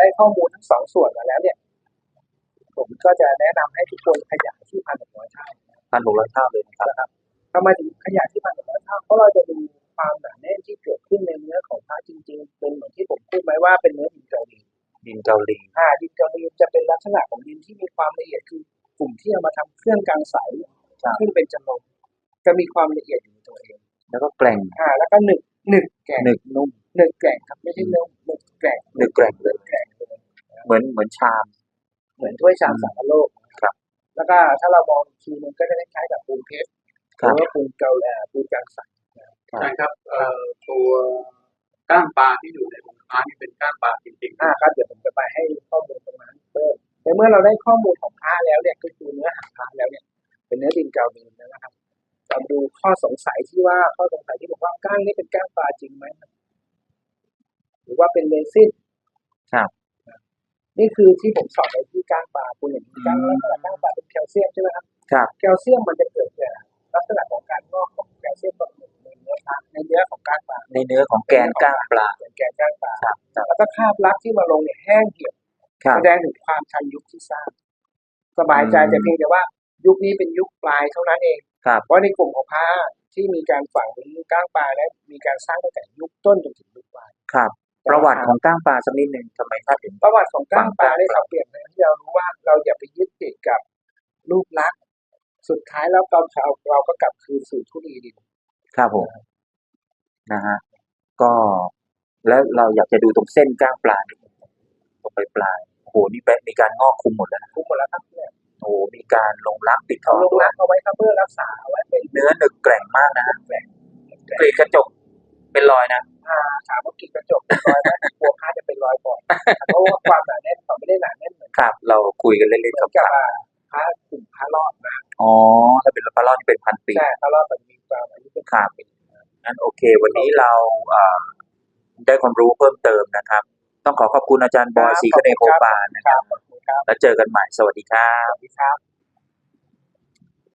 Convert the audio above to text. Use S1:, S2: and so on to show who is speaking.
S1: ได้ข้อมูลทั้งสองส่วนมาแล้วเนี่ยผมก็จะแนะนำให้ทุกคนขยายที่1,600 เท่า
S2: 1,600 เท่าเลย
S1: นะครับทำไมถึงขยายที่1,600 เท่าเพราะเราจะดูความหนาแน่นที่เกิดขึ้นในเนื้อของพระจริงๆเป็นเหมือนที่ผมพูดไว้ว่าเป็นเนื้อดินเกาหลี
S2: ดินเกาหลี
S1: ดินเกาหลีจะเป็นลักษณะของดินที่มีความละเอียดคือกลุ่มที่เอามาทำเครื่องกลางใสซึ่งเป็นจำนวนจะมีความละเอียดอยู่ในตัวเอง
S2: แล้วก็แกร่ง
S1: แล้วก็หนึบแกร่ง
S2: หนึบนุ่ม
S1: หนึบแกร่งครับไม่ใช่นุ่มหนึบแกร่ง
S2: เลยเหมือนชาม
S1: เหมือนถ้วยชามสังคโลก
S2: ครับ
S1: แล้วก็ถ้าเรามองทีนึงก็จะคล้ายๆกับปูนเพชรหรือว่าปูนเกาหลีปูนกลางใส
S3: ใช่ครับตัวก้างปลาที่อยู่ในวงค้านี่เป็นก้างปลาจริงๆ
S1: ครับเดี๋ยวผมจะไปให้ข้อมูลตรงนั้นเพิ่มในเมื่อเราได้ข้อมูลของพระแล้วเนี่ยก็คือเนื้อหาพระแล้วเนี่ยเป็นเนื้อดินเกาหลีนะครับเราดูข้อสงสัยที่บอกว่าก้างนี่เป็นก้างปลาจริงไหมหรือว่าเป็นเรซิน
S2: ครับ
S1: นี่คือที่ผมสอนไปที่ก้างปลาคุณเห็นก้างแล้วก้างปลาเป็นแคลเซียมใช่ไหมครับแคลเซียมมันจะเกิดจากลักษณะของการงอกของแคลเซียมในเนื้อของก้างปลา
S2: ในเนื้อของแกนก้างปลา
S1: แกนก้างปลาแล้วก็คราบลักที่มาลงเนี่ยแห้งเหี่ยวแสดงถึงความทันยุคที่สร้างสบายใจแต่เพียงแต่ว่ายุคนี้เป็นยุคปลายเท่านั้นเองเพราะในกลุ่มของพระที่มีการฝังก้างปลาและมีการสร้างตั้งแต่ยุคต้นจนถึงยุคปลาย
S2: ครับประวัติของก้างปลาสักนิดนึงทำไมท่านถึง
S1: ประวัติของก้างปลาได้เปลี่ยนให้เรารู้ว่าเราอย่าไปยึดติดกับรูปลักษณ์สุดท้ายแล้วเราก็กลับคืนสู่ทุลีดิน
S2: ครับผมนะฮะก็แล้วเราอยากจะดูตรงเส้นก้างปลานี่ตรงปลายโอ้โหนี่มีการงอกคุมหมดแล้ว
S1: คุมหมดแล้วครับเนี่ย
S2: โอ้มีการลงรักปิดทอง
S1: ด้วยเอาไว้ครับเพื่อรักษาไว้เป็น
S2: เนื้อหนึบแกร่งมากนะกรีดกระจกเป็นรอยนะ
S1: ถามว่ากรีดกระจกเป็นรอยไหมกลัวผ้าจะเป็นรอยบ่อยเพราะว่าความหนาแน่นเขาไม่ได้หนาแน่นเหมือน
S2: ครับเราคุยกันเล่นๆกับ
S1: ผ้ากลุ่มผ้ารอดนะ
S2: ถ้าเป็นผ้ารอดนี่เป็น1,000 ปี
S1: ใช่ผ้ารอดมันมีความอายุเป็น
S2: 1,000 ปีงั้นโอเควันนี้เราได้ความรู้เพิ่มเติมนะครับต้องขอบคุณอาจารย์บอยศรีคเนโพปานนะครับแล้วเจอกันใหม่สวัสดีครับ